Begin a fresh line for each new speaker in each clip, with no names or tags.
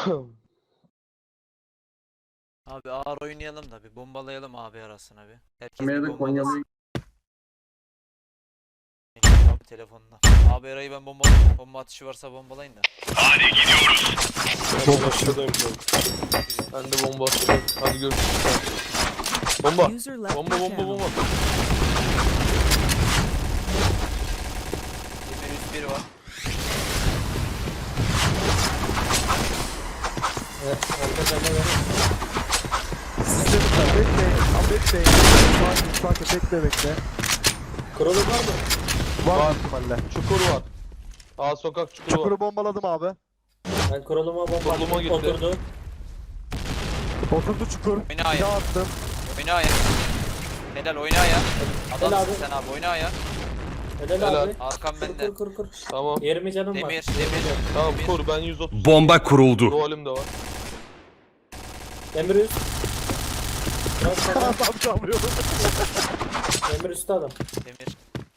Abi ağır oynayalım da bir bombalayalım abi arasına bir. Herkes bir
Kamerada Konyalı
bombalasın. Abi telefonla. Abi Eray'ı ben bombalayayım. Bomba atışı varsa bombalayın da.
Bomba aşağıdayım canım. Ben de bomba atacağım. Hadi görüşürüz. Bomba.
User left
Bomba
your
bomba
channel.
bomba.
Demir 101 var.
Evet, arka bende var.
Sistemler bekleyin. Bekleyin. Sakin bekle.
Kurulu var mı?
Var mı ihtimalle?
Çukur var. Aa sokak çukuru var.
Çukuru bombaladım abi.
Ben kuruluma bomba
Kuruluma
attım,
gitti.
oturdu.
Oturdu çukur.
Oyna
Bir daha
aya.
attım.
Oyna aya. Helal oyna aya.
Helal
Adamsın
abi.
sen abi oyna aya.
Helal
Helal.
abi.
Arkam bende.
Kur.
Tamam.
20 canım var.
Demir.
Tamam
Demir.
kur ben 130.
Bomba kuruldu.
Dualim de var.
Demir üst. Bırak sana.
Adam çalmıyorum.
Demir üstü adam.
Demir.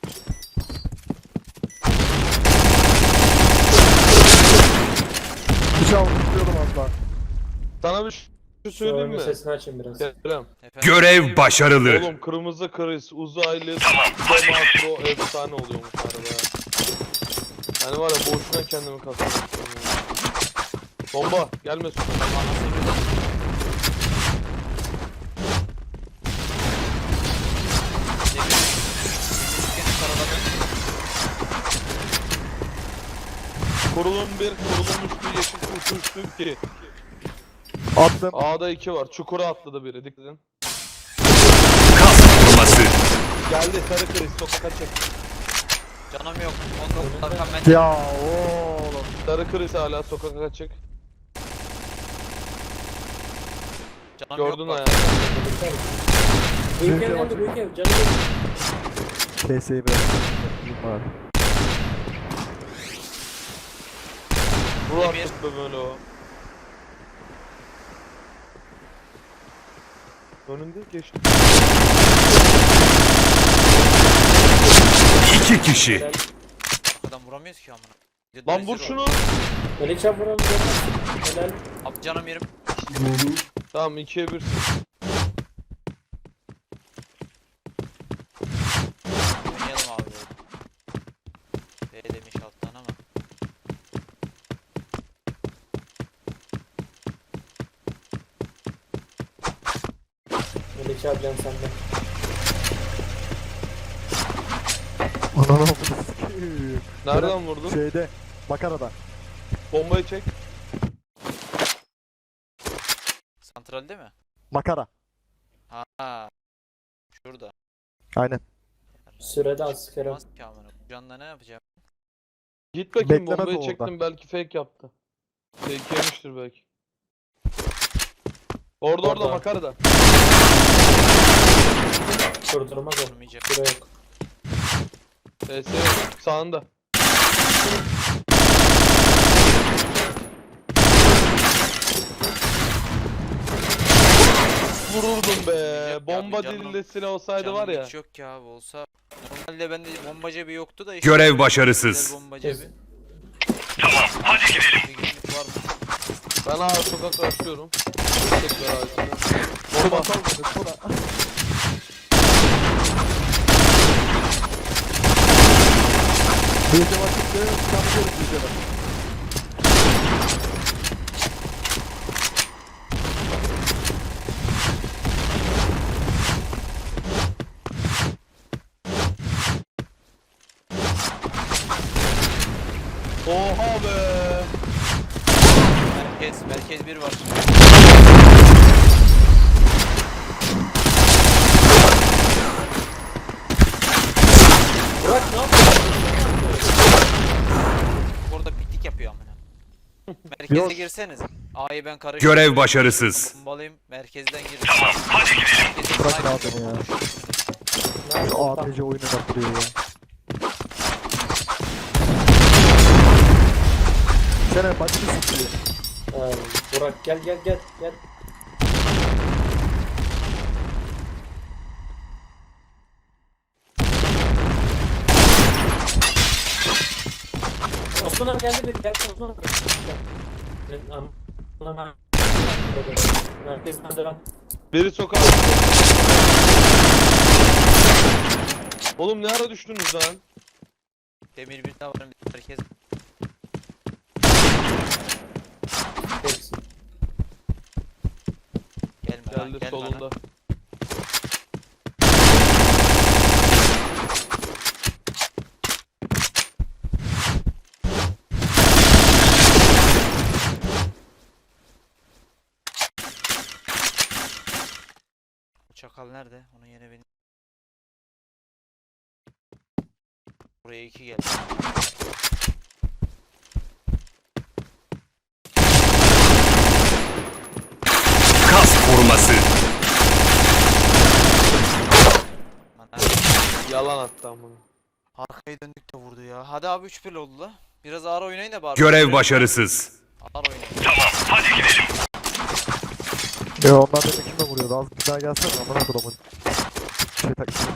Bir şey aldım tutuyordum asla.
Sana bir şey söyleyeyim
Oyunun
mi?
sesini açayım biraz.
Kerem.
Efendim.
Görev başarılı.
Oğlum kırmızı kriz, uzaylı, Demakro efsane oluyormuş arada ya. Yani var ya boşuna kendimi kasıyorum. Bomba gelmesin. Kurulum 1, kurulum üstü yeşil uçuştu 2.
Attım.
A'da 2 var. Çukura atladı biri. Dikkat edin.
Kas vurması.
Geldi sarı kriz sokak açık.
Canım yok. 19 arkam bende.
Ya oğlum.
Sarı kriz hala sokak açık.
Canım
Gördün
yok. bak.
ayağını.
Büyük ev geldi, büyük ev. Canım yok.
KS'yi biraz. Var.
Vur
Demir.
artık be böyle o. Önünde geçti.
2 kişi.
Helal.
Adam vuramıyoruz ki amına. Bir de
Lan
rezil
vur
oldu.
şunu.
Melihcan vuralım. Helal.
Abi canım yerim.
Tamam 2'ye 1.
Oynayalım abi. B demiş alttan ama.
Melihcan can sende.
Ananı
Nereden vurdun?
Şeyde. Makarada.
Bombayı çek.
Santralde mi?
Makara.
Ha. Şurada.
Aynen.
Sürede az Kerem.
Olmaz ki amına. Bu canla ne yapacağım?
Git bakayım
Beklemez
bombayı
orada.
çektim belki fake yaptı. Fake yemiştir belki. Orada
Orada.
makarada.
Durdurmaz o.
Durmayacak.
Süre yok.
TS yok. Sağında. Vururdum be.
Durmayacak ya,
Bomba
bir canım-
dilinde silah olsaydı
Canım
var ya.
hiç yok ya abi olsa. Normalde bende bomba cebi yoktu da işte.
Görev başarısız.
Güzel bomba cebi.
Hadi gidelim.
Bir günlük var mı?
Ben ağır sokak açıyorum. Tekrar ağacına. Bomba.
Bir de vakit çıkabiliyoruz bir de.
Oha be.
Merkez bir var.
Burak ne yapıyorsun?
Orada piknik yapıyor amına. Merkeze
Yok.
girseniz. A'yı ben karıştırdım.
Görev başarısız.
Bombalayayım merkezden girin. Tamam hadi gidelim.
Bırak ne yapayım ya. Şu APC oyunu yaptırıyor ya. Sene başını sıkıyor.
Burak gel. Osman abi geldi bir. Gel Osman abi. Gel. Hemen. Merkezden devam.
Biri sokağa. Oğlum ne ara düştünüz lan?
Demir bir daha var. Herkes
Hepsi.
gelme lan,
Geldi
gelme
solunda.
lan. Bu çakal nerede? Onun yerine benim. Buraya 2 geldi.
Kas koruması.
Aman
Yalan attı amına.
arkaya döndük de vurdu ya. Hadi abi 3-1 oldu la. Biraz ağır oynayın da bari.
Görev başarısız.
Ağır oynayın.
Onlar beni kime vuruyordu? Az bir daha gelsene amına kodumun. Şey taksın.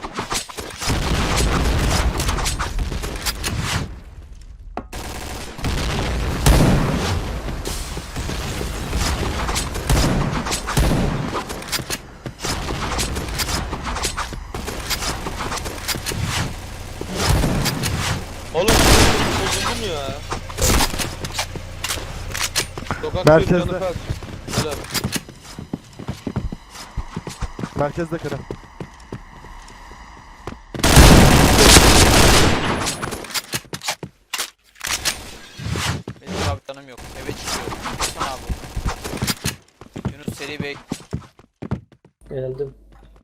Oğlum bozuldum ya. Sokak
Merkezde.
bir canı kaç. Helal.
Merkezde kere.
Benim abi canım yok. Eve çıkıyorum. Lütfen abi. Yunus seri bek.
Geldim.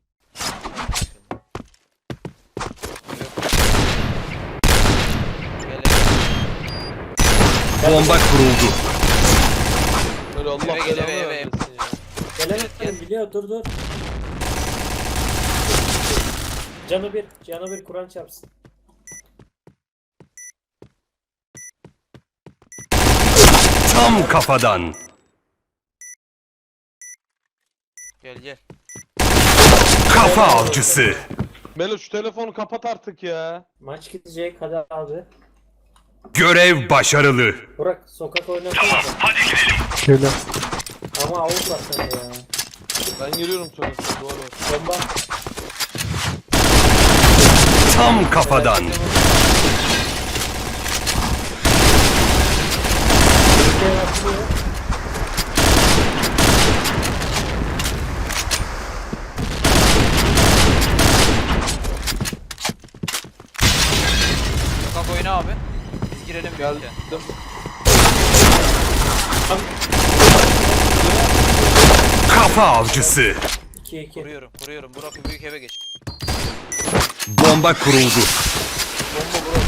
Gel
Bomba kuruldu.
Böyle Allah
Eve gel,
belanı
eve.
vermesin ya.
Gelemedim biliyor dur. Canı bir Kur'an çarpsın.
Tam kafadan.
gel.
Kafa avcısı.
Melo şu telefonu kapat artık ya.
Maç gidecek hadi abi.
Görev başarılı.
Burak sokak oynasana.
Geliyor.
Ama avuk var sende ya.
Ben giriyorum sokakta duvar var.
Bomba.
Tam kafadan.
Ülkeye atılıyor.
Sokak oyna abi. Biz girelim
Geldim.
birlikte.
Kafa avcısı.
2-2.
Kuruyorum. Burak büyük eve geç.
Bomba kuruldu.
Bomba bro.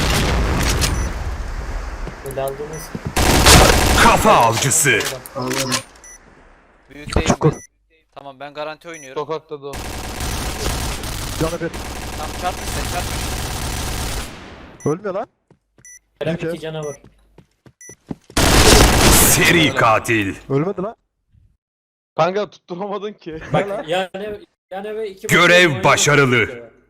Böyle aldığınız.
Kafa avcısı.
Büyük değil
Çukur.
mi? Tamam ben garanti oynuyorum.
Sokakta da o.
Canı bir.
Tamam çarpma sen çarpma.
Ölmüyor lan.
Kerem
Peki.
2 canavar.
Seri katil.
Ölmedi lan.
Kanka tutturamadın ki.
Bak yani ve 2
Görev başarılı.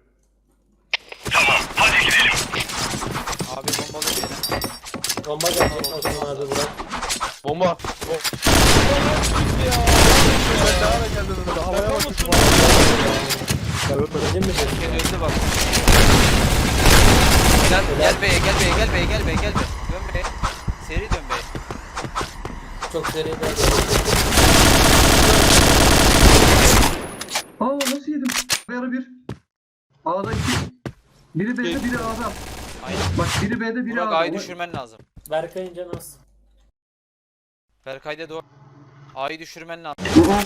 Abi bombalı bir yere.
Bomba gelecek Osman abi Burak.
Bomba.
Ben daha da geldim önüme. Havaya bakın. Ya ölmedi.
Dedim mi dedim?
Herkes öldü bak. Gel beye gel beye. Dön beye. Seri dön beye.
Çok seri de.
Aa nasıl yedim? Yarı bir. A'da iki. Biri B'de biri A'da.
Aynen.
Bak biri B'de biri
Burak
A'da.
A'yı düşürmen lazım.
Berkay'ın canı az.
Berkay'da doğru. A'yı düşürmen lazım.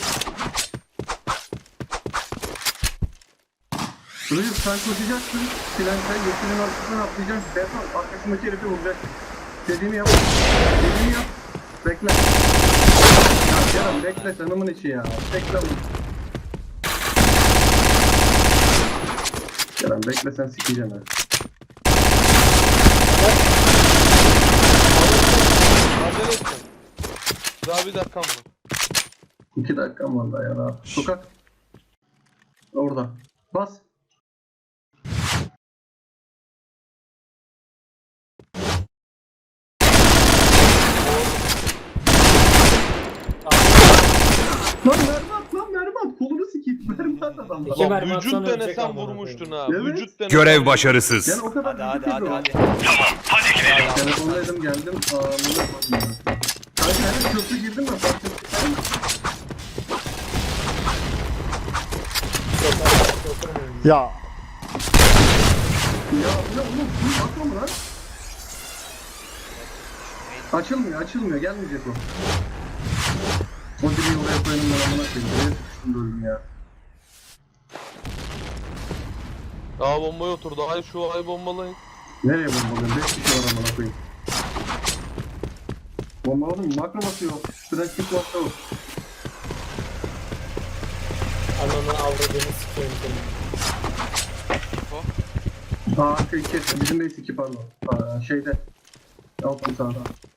Rıyıp sen koşacaksın. Silankayı yeşilin arkasından atlayacaksın. Defol arkasındaki herifi vuracaksın. Dediğimi yap. Dediğimi yap. Bekle. Ya Kerem bekle tanımın içi ya. Bekle. Kerem bekle sen sikeceksin ha.
Acele etme. Daha bir dakikam var.
2 dakikam var daha ya rahat. Sokak. Orada. Bas. adamda.
İki
Lan
mermi
vücut
atsan ölecek
denesen
amına
vurmuştun
koyayım.
ha.
Evet.
Vücut denesen.
Görev başarısız.
Yani o kadar
Hadi
vücut
hadi
yapıyor.
hadi hadi.
Telefondaydım geldim. Amına koyayım. Kanka hemen köprü girdim ben fark ettim.
Ya
Ya bu ne oğlum? Bu bakma mı lan? Açılmıyor. Gelmeyecek o. O direği oraya koyalım ben amına koyayım. Nereye sıkıştım bölüm ya.
Aa bombaya oturdu. Ay şu ay bombalayın.
Nereye bombalıyorum? 5 kişi var amına koyayım. Bombaladım mı? Makro basıyor. Sürekli kitlatsa o.
Ananı avradını sikeyim seni.
Aa iki. Bizim base 2 pardon. Şeyde. Altın sağda.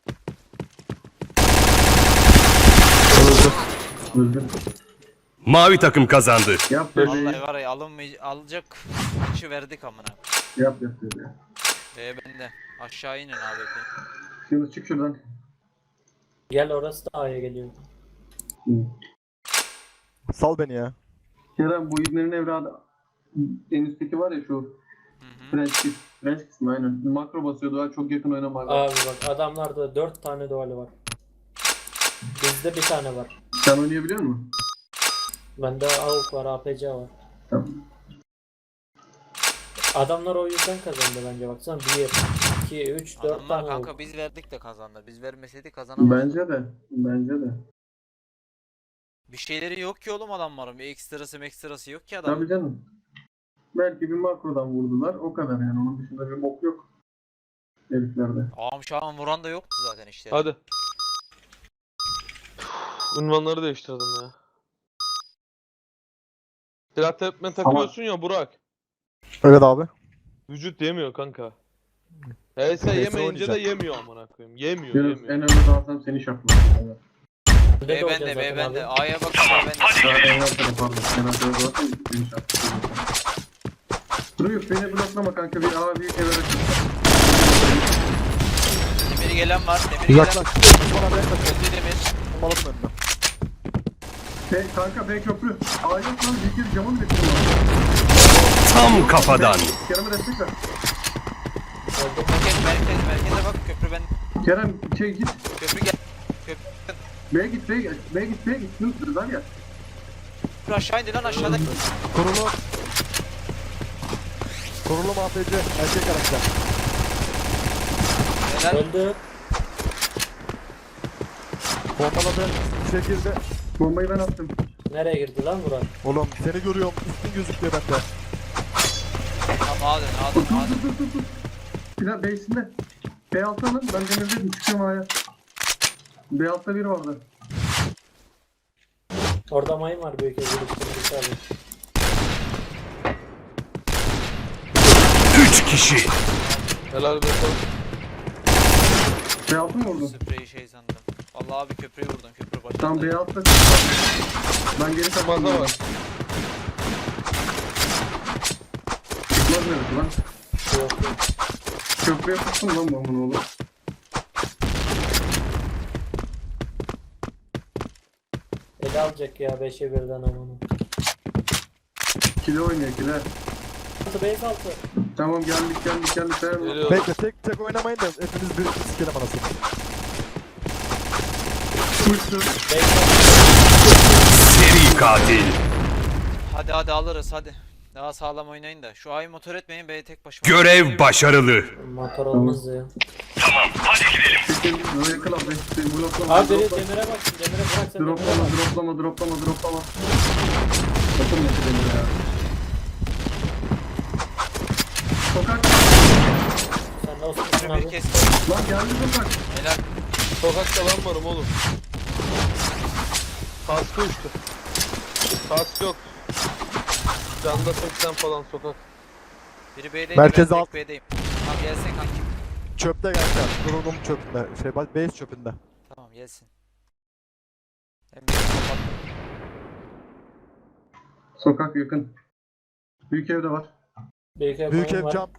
Öldü.
Mavi takım kazandı.
Yap dedi.
Vallahi var ya alacak maçı verdik amına.
Yap dedi.
Bende. Aşağı inin abi.
Şimdi çık şuradan.
Gel orası da A'ya geliyor.
Hı.
sal beni ya.
Kerem bu İbner'in evladı. En üstteki var ya şu French kısmı aynen. Makro basıyor daha çok yakın oynamalar.
Abi bak adamlarda 4 tane duali var. Bizde bir tane var.
Sen oynayabiliyor musun?
Bende AUK var, APC var.
Tamam.
Adamlar o yüzden kazandı bence baksana. 1, 2, 3, 4
Adamlar
tane
kanka
AUK.
biz verdik de kazandı. Biz vermeseydik kazanamazdık.
Bence de.
Bir şeyleri yok ki oğlum adamların. Bir ekstrası yok ki adam.
Tabii canım. Belki bir makrodan vurdular. O kadar yani. Onun dışında bir bok yok. Heriflerde.
Ağam şahım vuran da yoktu zaten işte.
Hadi. Ünvanları değiştirdim ya. Silah tepme takıyorsun ya Burak.
Evet abi.
Vücut yemiyor kanka. HS yemeyince de
oynayacak.
yemiyor amına koyayım. Yemiyor.
Yunus en önde dağıtsam seni şapladım. Evet.
Bende de
B
olacak
bende
zaten
B bende.
abi.
A'ya bak B bende.
Daha en arkada pardon. En arkada dağıtsam seni şapladım. Duruyor beni bloklama kanka. Bir A büyük eve açın.
Demiri gelen var. Demiri gelen.
Uzaklaş. Bana ben kaçıyorum.
Öldü demir.
Bombaladım önüne.
Kanka B köprü. A yok lan. Bir kere camın bekliyor.
Tam kafadan.
Kerem'e destek ver.
Merkeze bak köprü ben.
Kerem git.
Köprü gel.
B'ye git. B'ye git. Yunus lan ya.
Köprü aşağı indi lan aşağıda.
Kurulu. Kurulu APC. Erkek karakter.
Helal.
Öldü.
Bombaladı. Şekilde.
Bombayı ben attım.
Nereye girdi lan Burak?
Oğlum seni görüyorum. Üstün gözüküyor bende.
Tamam A dön.
Dur. Silah base'inde. B6 alın. Ben demirdedim. Çıkıyorum A'ya. B6'da biri vardı.
Orada mayın var büyük evlilikte. Abi.
3 kişi.
Helal be.
B6 mı vurdun?
Spreyi şey sandım. Vallahi abi köprüyü vurdum. Köprü başında.
Tamam B6'da. Ben geri kaçtım.
Maza var.
Çıkmaz neresi lan?
Yok yok.
Köprüye tuttum lan bombanı oğlum.
Ele alacak ya 5'e 1'den amanı.
Kile oynuyor kile.
Altı base altı.
Tamam geldik. Dayan.
Geliyor.
Bekle tek oynamayın da hepiniz bir sikelim anasını.
Uçtu.
Base
Seri katil.
Hadi alırız hadi. Daha sağlam oynayın da. Şu A'yı motor etmeyin. B'ye tek başıma.
Görev başarılı.
motor olmaz ya.
Çekil. Böyle kıl abi. Bloklama.
Abi demire bak. Demire bırak sen demire bak.
Droplama. Yapamıyor şu demiri ya. Sokak.
Sen de olsun
Bir
abi.
kes.
Lan geldi sokak.
Helal.
Sokakta ben varım oğlum. Kaskı uçtu. Kask yok. Canda 80 falan sokak.
Biri B'deydi.
Merkez
ben
alt.
tek B'deyim. Tamam gelsin kanki.
Çöpte kanka. Kurulum çöpünde. Base çöpünde.
Tamam gelsin. Hem de kapat.
Sokak yakın. Büyük evde var.
Büyük ev
Büyük
mayın
ev
var.
cam.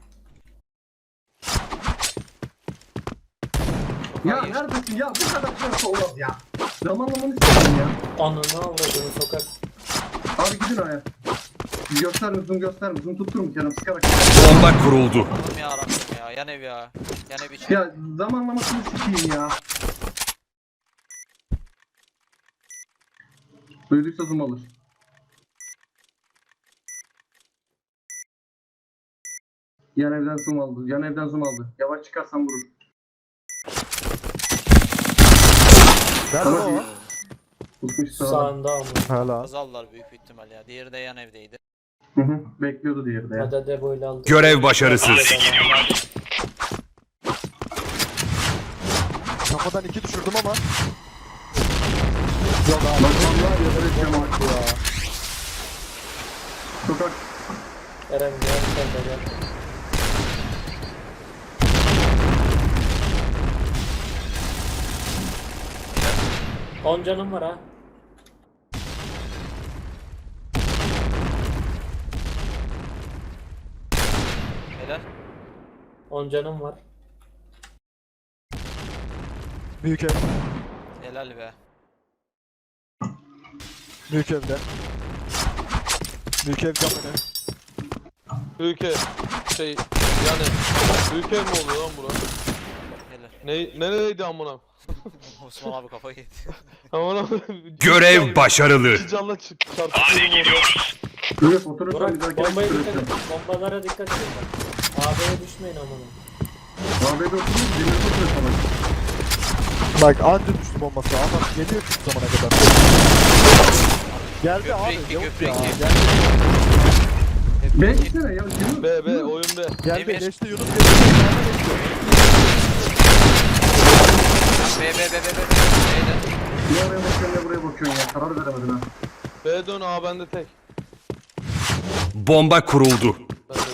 Ya
Hayır.
neredesin ya? Bu kadar şans olmaz ya. Zamanlamanı istiyorum ya.
Ananı avradını sokak.
Abi gidin aya. Gösterme, zoom gösterme. Zoom tutturma Kerem, sıkarak.
Bomba kuruldu.
Oğlum ya Rabbim ya. Yan ev ya. Yan ev için.
Ya zamanlamasını sikeyim ya. Duyduysa zoom alır. Yan evden zoom aldı. Yan evden zoom aldı. Yavaş çıkarsan vurur.
Nerede o?
Tutmuş sağa.
Sağında ama.
Hala.
Azallar büyük bir ihtimal ya. Diğeri de yan evdeydi.
Hı hı. Bekliyordu diğeri de ya.
Hadi de böyle aldı.
Görev başarısız.
Kafadan 2 düşürdüm ama. Yok abi.
Bak vallahi yaparak yamak ya. Sokak.
Eren gel sen de gel. On canım var ha.
Helal.
10 canım var.
Büyük ev.
Helal be.
Büyük evde. Büyük ev cam önü.
Büyük ev. Yani büyük ev mi oluyor lan bura?
Helal.
Nereydi amına?
Osman abi kafayı yedi.
Amına.
Görev başarılı.
İki canla çarpışıyorum orada.
Böyle fotoğraflar bir
Burak
dahaki
bombaya dikkat
süresi.
edin. Bombalara dikkat edin bak. AB'ye düşmeyin amına.
AB'de oturuyoruz, demir fotoğrafı falan.
Bak anca düştü bombası ama geliyor şu zamana kadar. Geldi abi.
Köprü iki,
Yok
köprü
ya.
iki.
Geldi.
B gitsene ya. Yunus.
B oyun B.
Geldi.
Demir.
Geçti Yunus geçti.
Be.
Ne oraya bakıyorsun ne buraya bakıyorsun ya. Karar veremedin ha.
B dön A bende tek.
Bomba kuruldu.
Ben de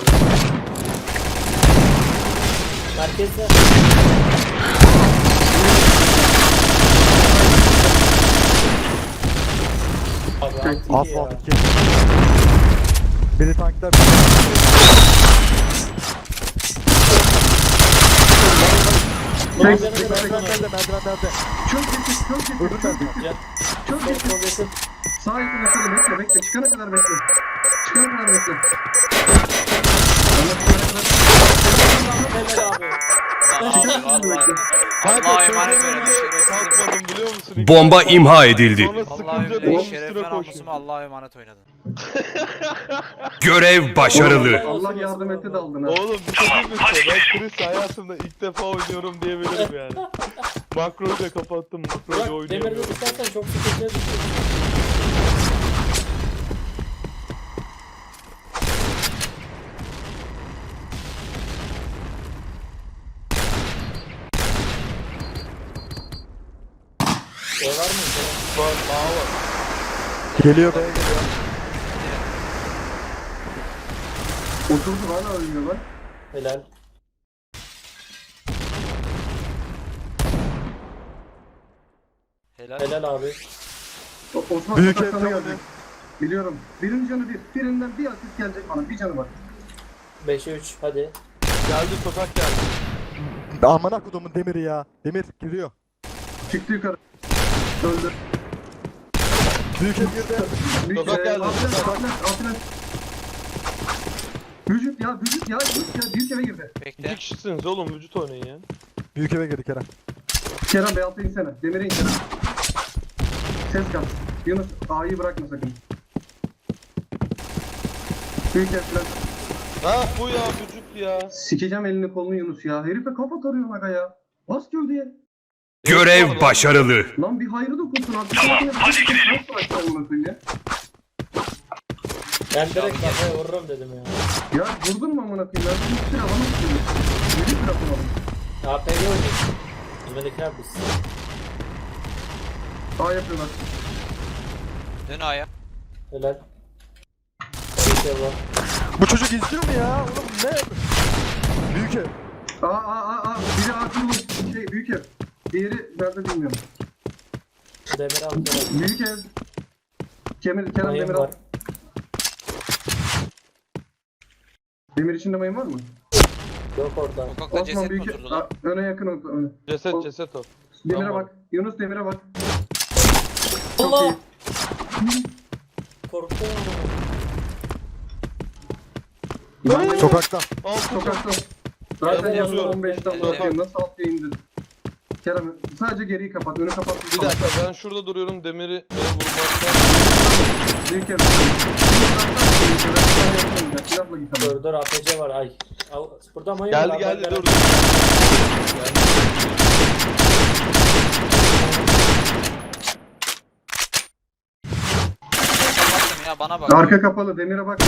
Merkezde. Abi
Tek.
altı ya.
Asfalt 2. Biri tanklar.
Ulan
Tek.
canım
Tek.
var,
Tek.
canım var.
Merdivenlerde.
Çok getir, çok getir,
Öbür
çok
tarafa.
getir.
Gel.
Çok
Sol
getir.
sol yakın.
Sağ yakın aşağıda bekle, bekle. Çıkana kadar bekle. Çıkana kadar bekle.
Helal abi.
Allah'a emanet verin.
kalkmadım biliyor musun?
Bomba imha edildi.
Sonra
Allah'a
sıkınca
emanet.
dedim
Şeref
üstüne
ve
koşayım.
namusuma Allah'a emanet oynadın.
Görev başarılı.
Allah yardım etti de aldın ha.
Oğlum bir şey diyeyim mi size? Ben Chris hayatımda ilk defa oynuyorum diyebilirim yani. Makroyu da kapattım. Makroyu da
Burak demirde
oynayamıyorum.
düşersen çok sıkıntıya düşüyorsun. Şey var mı?
Var, A var.
Geliyor B'ye geliyor.
Oturdu hala ölmüyor lan.
Helal.
Helal.
Helal abi.
Osman
Büyük
sokak sana
ev
gelecek. Biliyorum. Birinci canı bir. Birinden bir asist gelecek bana. Bir canı var.
5'e 3 hadi.
Geldi sokak geldi.
Amına kodumun demiri ya. Demir giriyor.
Çıktı yukarı. Öldü.
Büyük ev girdi.
Sokak geldi, sokak.
Altına. Vücut ya, vücut ya, vücut ya. Büyük eve girdi.
İki
Bekle.
kişisiniz oğlum vücut oynayın ya.
Büyük eve girdi Kerem.
Kerem B6'ya insene. Demire in Kerem. Ses kal. Yunus A'yı bırakma sakın. Büyük ev falan.
Ha bu ya vücut ya.
Sikeceğim elini kolunu Yunus ya. Herife kafa tarıyor aga ya. Bas gövdeye.
Görev başarılı.
Lan bir hayrı dokunsun artık. Hadi gidelim.
Ben direkt kafaya vururum dedim ya.
Ya vurdun mu amına koyayım? Ben bir sıra bana tutuyorum. 7 sıra kullandım.
AP'yi oynuyorsun. Bizimdekiler biz.
A yapıyorlar.
Dön A'ya.
Helal. Bir şey var.
Bu çocuk izliyor mu ya? Oğlum ne? Büyük ev.
A. Biri A kurulu. Şey büyük ev. Diğeri nerede bilmiyorum.
Demir aldı.
Büyük ev. Kerem
Mayın
Demir al.
var.
Demir içinde mayın var mı?
Yok orada.
Sokakta
Osman
ceset mi
büyük
oturdu
ev.
lan?
Öne yakın öne.
Ceset o.
Demire
Tamam.
bak. Yunus Demir'e bak. Çok
Allah!
iyi.
Korktum ama.
Ben
Sokakta.
Altı
sokakta. Zaten
Evet,
yanında
yazıyorum.
15'ten
Evet.
bakıyorum. Nasıl alt yayındır? Kerem sadece geriyi kapat. Önü kapat.
Bir dakika ben şurada duruyorum demiri vurmaktan.
Bir kere. Silahla git ama.
Dur APC var ay. Burada mayın var.
Geldi dur.
Kapattım ya, bana bak.
Arka kapalı. Demire bak.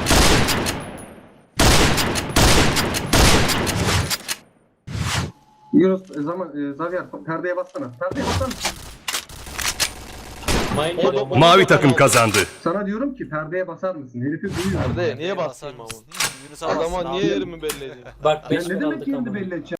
Yunus Xavier perdeye bassana. Perdeye bassana.
Mayın
O
geliyor.
da-
Mavi takım kazandı.
Sana diyorum ki perdeye basar mısın? Herifi duyuyor.
Nerede? Niye
Basar
basayım ama?
mısın? Yunus'a bassın
Adama
abi.
niye yerimi belli edeyim?
Bak
Ya
5
ne
bin
demek
aldık
yerini
ama.
belli edeceğim?